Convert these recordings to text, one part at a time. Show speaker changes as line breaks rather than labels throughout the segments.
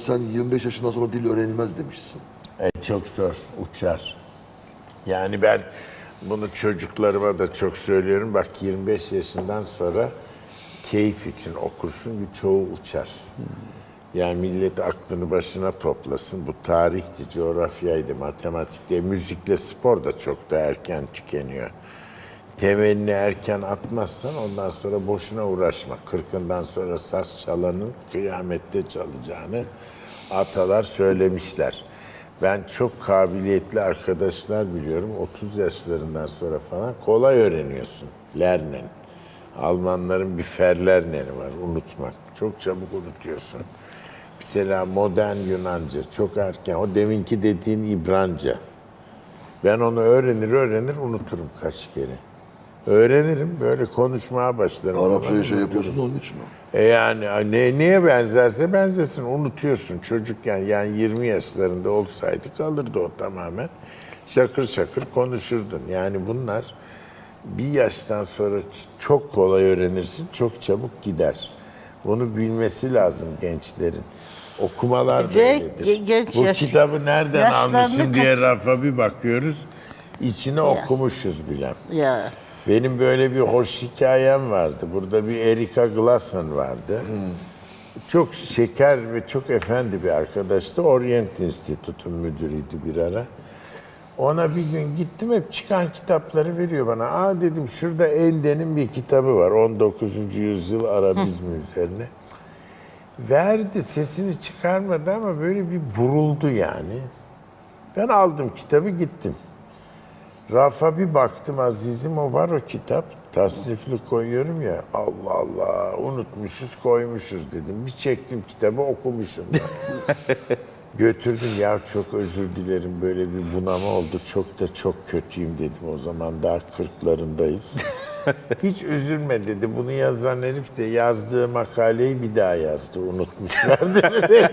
sen 25 yaşından sonra dil öğrenilmez demişsin.
Çok zor, uçar. Yani ben bunu çocuklarıma da çok söylüyorum. Bak 25 yaşından sonra keyif için okursun ki çoğu uçar. Yani millet aklını başına toplasın. Bu tarihti, coğrafyaydı, matematikti. Müzikle spor da çok da erken tükeniyor. Temelini erken atmazsan ondan sonra boşuna uğraşma. 40'ından sonra saz çalanın kıyamette çalacağını atalar söylemişler. Ben çok kabiliyetli arkadaşlar biliyorum. 30 yaşlarından sonra falan kolay öğreniyorsun. Lernen. Almanların bir Verlernen'i var, unutmak. Çok çabuk unutuyorsun. Mesela modern Yunanca çok erken. O deminki dediğin İbranca. Ben onu öğrenir unuturum kaç kere. Öğrenirim, böyle konuşmaya başlarım.
Arapçayı şey yapıyorsun onun için o.
Yani neye benzerse benzesin, unutuyorsun çocukken. Yani 20 yaşlarında olsaydı kalırdı o tamamen. Şakır şakır konuşurdun. Yani bunlar bir yaştan sonra çok kolay öğrenirsin, çok çabuk gider. Bunu bilmesi lazım gençlerin. Okumalar da öyledir. Bu kitabı nereden almışım diye rafa bir bakıyoruz. İçine okumuşuz bile.
Ya.
Benim böyle bir hoş hikayem vardı. Burada bir Erika Glasson vardı. Çok şeker ve çok efendi bir arkadaştı. Orient Institute'un müdürüydü bir ara. Ona bir gün gittim, hep çıkan kitapları veriyor bana. Aa dedim, şurada Ende'nin bir kitabı var. 19. yüzyıl Arabizmi üzerine. Verdi, sesini çıkarmadı ama böyle bir buruldu yani. Ben aldım kitabı, gittim. Rafa bir baktım azizim, o var o kitap. Tasnifli koyuyorum ya. Allah Allah, unutmuşuz koymuşuz dedim. Bir çektim kitabı, okumuşum. Götürdüm, ya çok özür dilerim, böyle bir bunama oldu. Çok kötüyüm dedim o zaman, daha 40'larındayız. Hiç üzülme dedi. Bunu yazan herif de yazdığı makaleyi bir daha yazdı. Unutmuşlar dedi.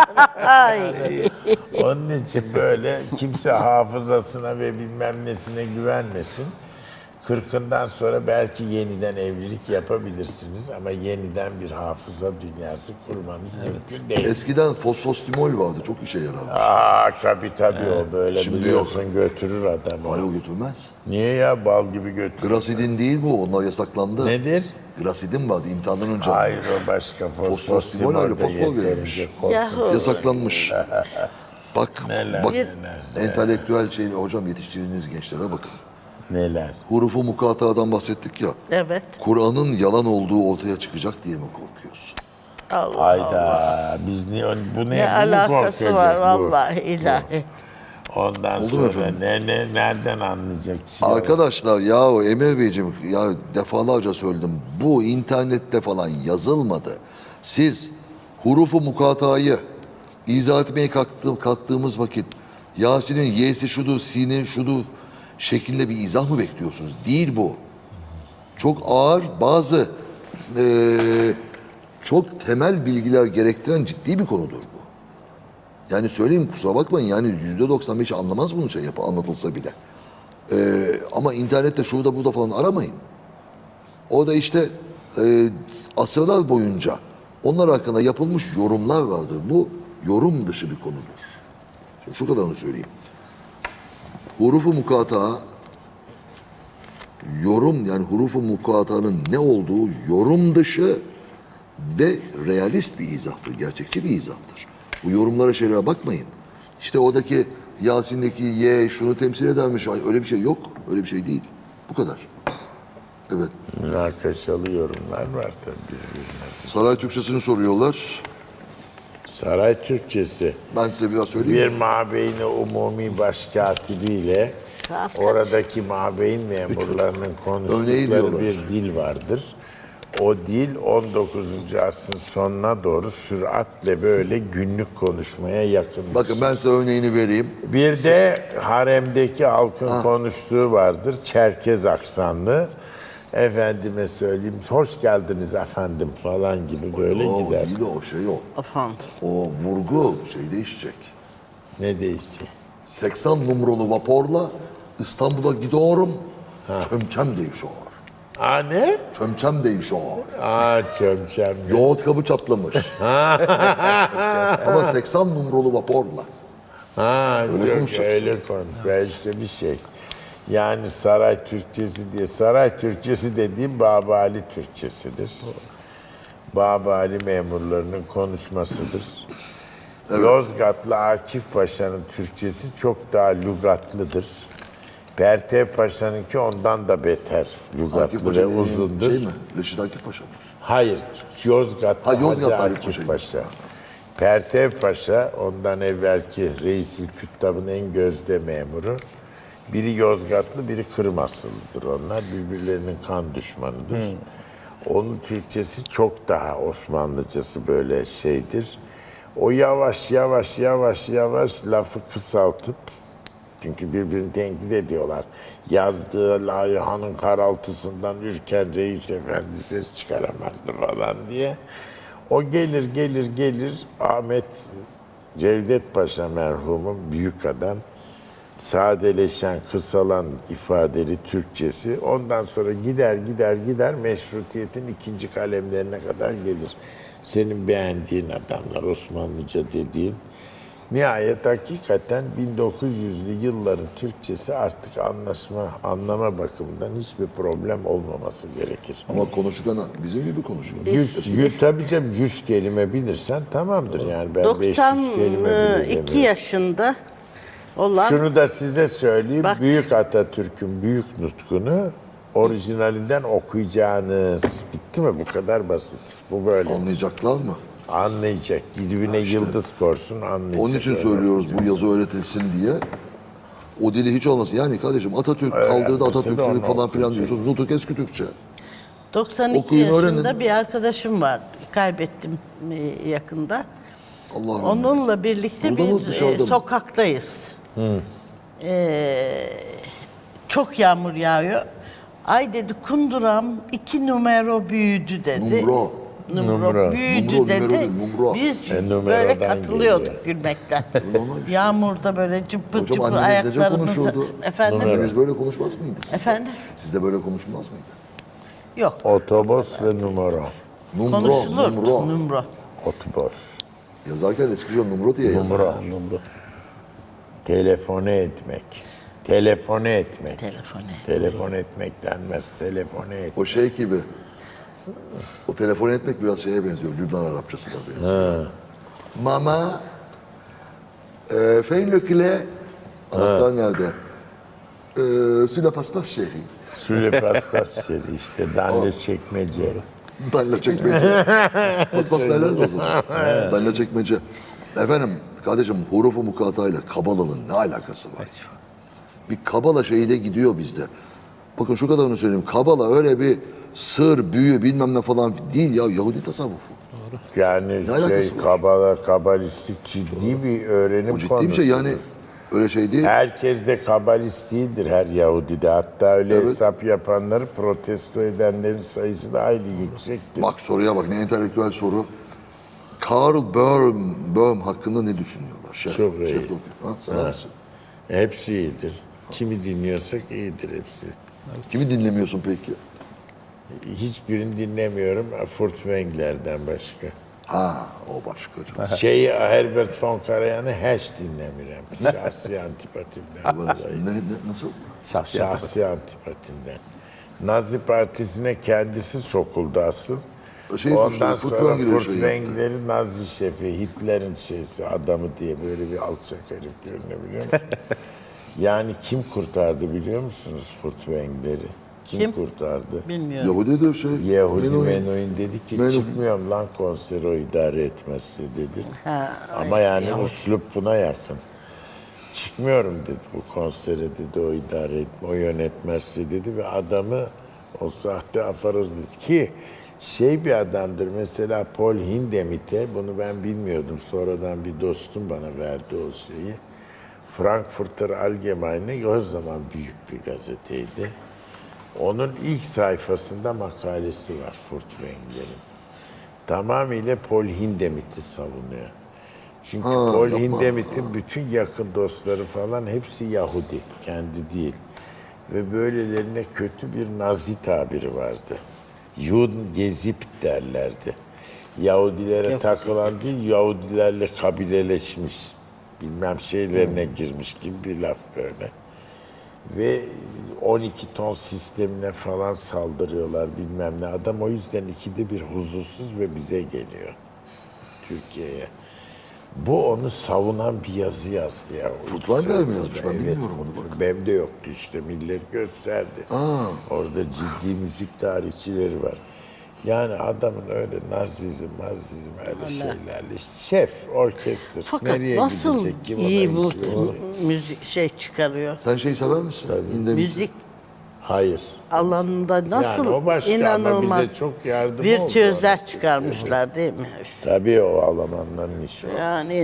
Yani, onun için böyle kimse hafızasına ve bilmem nesine güvenmesin. 40'ından sonra belki yeniden evlilik yapabilirsiniz ama yeniden bir hafıza dünyası kurmanız mümkün değil.
Eskiden fosfostimol vardı, çok işe yararmış.
Tabii o böyle
Şimdi
biliyorsun
yok.
götürür adamı.
Hayır, götürmez.
Niye ya, bal gibi götürür?
Grasidin değil bu, onlar yasaklandı.
Nedir?
Grasidin vardı imtihandan önce.
Hayır, o başka.
Fosfostimol öyle, fosfor verilmiş. Yasaklanmış. Bak,
Neler.
entelektüel şey, hocam yetiştirdiğiniz gençlere bakın.
Neler?
Hurufu mukatadan bahsettik ya.
Evet.
Kur'an'ın yalan olduğu ortaya çıkacak diye mi korkuyorsun?
Hayda, biz niye bu
Ne alakası var vallahi ilahi.
Ondan
Oldu
sonra nereden anlayacak?
Arkadaşlar ya Emir Beyciğim, ya defalarca söyledim, bu internette falan yazılmadı. Siz hurufu mukatayı izah etmeye kalktığımız vakit Yasin'in y'si şudur, sin'in şudur şeklinde bir izah mı bekliyorsunuz? Değil bu. Çok ağır, bazı çok temel bilgiler gerektiren ciddi bir konudur bu. Yani söyleyeyim, kusura bakmayın, yani %95 anlamaz bunu anlatılsa bile. Ama internette şurada burada falan aramayın. Orada işte asırlar boyunca onlar hakkında yapılmış yorumlar vardır. Bu yorum dışı bir konudur. Şimdi şu kadarını söyleyeyim. Hurufu mukata, yorum, yani hurufu mukatanın ne olduğu yorum dışı ve realist bir izahtır, gerçekçi bir izahtır. Bu yorumlara, şeylere bakmayın. İşte oradaki Yasin'deki Y şunu temsil edermiş. Ay, öyle bir şey yok. Öyle bir şey değil. Bu kadar. Evet.
Münakaşalı yorumlar var tabii birbirine.
Saray Türkçesini soruyorlar.
Saray Türkçesi.
Ben size biraz söyleyeyim.
Bir mabeyni umumi başkatibiyle oradaki mabeyin memurlarının konuştukları bir dil vardır. O dil 19. asrın sonuna doğru süratle böyle günlük konuşmaya yakın.
Bakın ben size örneğini vereyim.
Bir de haremdeki halkın konuştuğu vardır. Çerkez aksanlı. Efendime söyleyeyim, hoş geldiniz efendim falan gibi böyle
o
gider.
Değil o şey o.
Efendim.
O vurgu şey değişecek.
Ne değişecek?
80 numaralı vaporla İstanbul'a gidiyorum. Çömçem değişiyor.
Ne?
Çömçem değişiyor.
Çömçem.
Yoğurt kabı çatlamış. Ama 80 numaralı vaporla.
Çok
konuşacaksın.
öyle konuş. Ve işte bir şey. Yani saray Türkçesi diye. Saray Türkçesi dediğim Babali Türkçesidir. Babali memurlarının konuşmasıdır.
Evet.
Yozgatlı Akif Paşa'nın Türkçesi çok daha lügatlıdır. Pertev Paşa'nınki ondan da beter
Akif
lügatlı
Paşa
ve uzundur.
Şey mi? Reşit Akif Paşa mı?
Hayır, Yozgat'ta
Yozgat'ta
Hacı
Akif
Akif
Paşa.
Paşa. Pertev Paşa, ondan evvelki Reis-i Küttab'ın en gözde memuru. Biri Yozgatlı, biri Kırmasılıdır onlar. Birbirlerinin kan düşmanıdır. Onun Türkçesi çok daha Osmanlıcası böyle şeydir. O yavaş lafı kısaltıp, çünkü birbirini tenkit ediyorlar. Yazdığı layıhanın karaltısından ürken reis efendi ses çıkaramazdı falan diye. O gelir Ahmet Cevdet Paşa merhumun büyük adam. Sadeleşen, kısalan ifadeli Türkçesi. Ondan sonra gider meşrutiyetin ikinci kalemlerine kadar gelir. Senin beğendiğin adamlar, Osmanlıca dediğin. Nihayet hakikaten 1900'lü yılların Türkçesi artık anlama bakımından hiçbir problem olmaması gerekir.
Ama konuşurken bizim gibi konuşuyor.
100 kelime bilirsen tamamdır yani. Ben 500 kelime bile
92
demiyorum.
yaşında olan
Şunu da size söyleyeyim.
Bak.
Büyük Atatürk'ün büyük nutkunu orijinalinden okuyacağınız. Bitti mi? Bu kadar basit. Bu böyle.
Anlayacaklar mı?
Anlayacak. Dibine yıldız korsun anlayacak.
Onun için
Öyle.
söylüyoruz bu yazı öğretilsin diye. O dili hiç olmasın. Yani kardeşim Atatürk kaldırdı
onu
Atatürkçülük falan filan
okuyacak.
diyorsunuz. Nutuk eski Türkçe.
92
Okuyun,
yaşında
öğrenin.
bir arkadaşım var. Kaybettim yakında.
Allah rahmet eylesin.
Onunla birlikte
Burada mı,
bir
dışarıda mı?
sokaktayız. Çok yağmur yağıyor. Ay dedi kunduram 2 numara büyüdü dedi.
Numro.
Numro.
Büyüdü
Numro,
dedi.
numero değil, numro.
Biz
Numerodan
böyle katılıyorduk
geliyor.
gülmekten.
Normal bir şey.
Yağmurda böyle cıpır
Hocam
cıpır
anneniz nece
ayaklarımızı...
konuşuyordu?
Efendim?
Anneniz böyle konuşmaz mıydı siz?
Efendim?
Sizde böyle konuşulmaz mıydı?
Yok.
Otobüs ve numara.
Numro,
Konuşulur.
numro.
Numro.
Otobüs.
Yazarken eskiden numro diye yazar.
Numara. Telefone etmek. Telefone etmek.
Telefone.
Telefon etmek denmez. Telefone etmek.
O şey gibi. O telefon etmek biraz şeye benziyor. Lübnan Arapçasına benziyor. Mama. Fein le clé. Anahtar nerede? Sur la paspas chérie.
Süle paspas şeri işte. Danle çekmece.
Danla çekmece. Paspas derler mi o zaman? Danla çekmece. Efendim kardeşim hurufu mukatayla Kabala'nın ne alakası var? Bir Kabala şeyi de gidiyor bizde. Bakın şu kadarını söyleyeyim. Kabala öyle bir sır, büyü bilmem ne falan değil ya. Yahudi tasavvufu.
Yani
Ne alakası var?
kabalistik ciddi bir öğrenim
O ciddi
konusu.
bir şey yani. Öyle şey değil.
Herkes de kabalist değildir her Yahudide. Hatta öyle
Evet.
hesap yapanları protesto edenlerin sayısı da hayli yüksektir.
Bak soruya bak ne entelektüel soru. Karl Böhm hakkında ne düşünüyorlar? Şef,
Çok iyi.
Şef Doktor. Ha, sen misin?
Hepsi iyidir. Kimi dinliyorsak iyidir hepsi.
Kimi dinlemiyorsun peki?
Hiçbirini dinlemiyorum Furtwängler'den başka.
Ha o başka.
Herbert von Karajan'ı hiç dinlemiyorum. Şahsi antipatimden. dolayı.
Nasıl?
Şahsi antipatimden. Nazi Partisi'ne kendisi sokuldu asıl. Ondan sonra Furtwängler'i Nazi şefi, Hitler'in şeysi, adamı diye böyle bir alçak herif görünebiliyor musun? Yani kim kurtardı biliyor musunuz Furtwängler'i? Kim kurtardı?
Bilmiyorum.
Yahudi de şey.
Yahudi
Menuhin.
Menuhin dedi ki
Menuhin.
çıkmıyorum lan konseri o idare etmezse dedi.
Ha,
Ama yani üslup buna yakın. Çıkmıyorum dedi bu konsere dedi o idare etme, o yönetmezse dedi ve adamı o sahte afaroz dedi ki şey bir adamdır mesela Paul Hindemith'e bunu ben bilmiyordum sonradan bir dostum bana verdi o şeyi. Frankfurter Allgemeine o zaman büyük bir gazeteydi. Onun ilk sayfasında makalesi var Furtwängler'in. Tamamıyla Paul Hindemith'i savunuyor. Çünkü Paul Hindemith'in bütün yakın dostları falan hepsi Yahudi, kendi değil. Ve böylelerine kötü bir Nazi tabiri vardı. Judengezip derlerdi. Yahudilere takılan değil, Yahudilerle kabileleşmiş, bilmem şeylerine girmiş gibi bir laf böyle. Ve 12 ton sistemine falan saldırıyorlar bilmem ne. Adam o yüzden ikide bir huzursuz ve bize geliyor. Türkiye'ye. Bu onu savunan bir yazı yazdı ya.
Furtwängler mi yazmış? Ben bilmiyorum onu bak.
Benim de yoktu işte. Millet gösterdi. Orada ciddi müzik tarihçileri var. Yani adamın öyle narsizm öyle şeylerle. İşte şef, orkestra.
Fakat
Nereye
nasıl
gidecek? Kim
iyi
ona
bu
işleyecek?
müzik şey çıkarıyor.
Sen şey sever misin?
Müzik
Hayır.
alanında nasıl
o başka ama
inanılmaz
bize çok yardım oldu
virtüözler çıkarmışlar değil mi?
Tabii o Almanların işi o.
Yani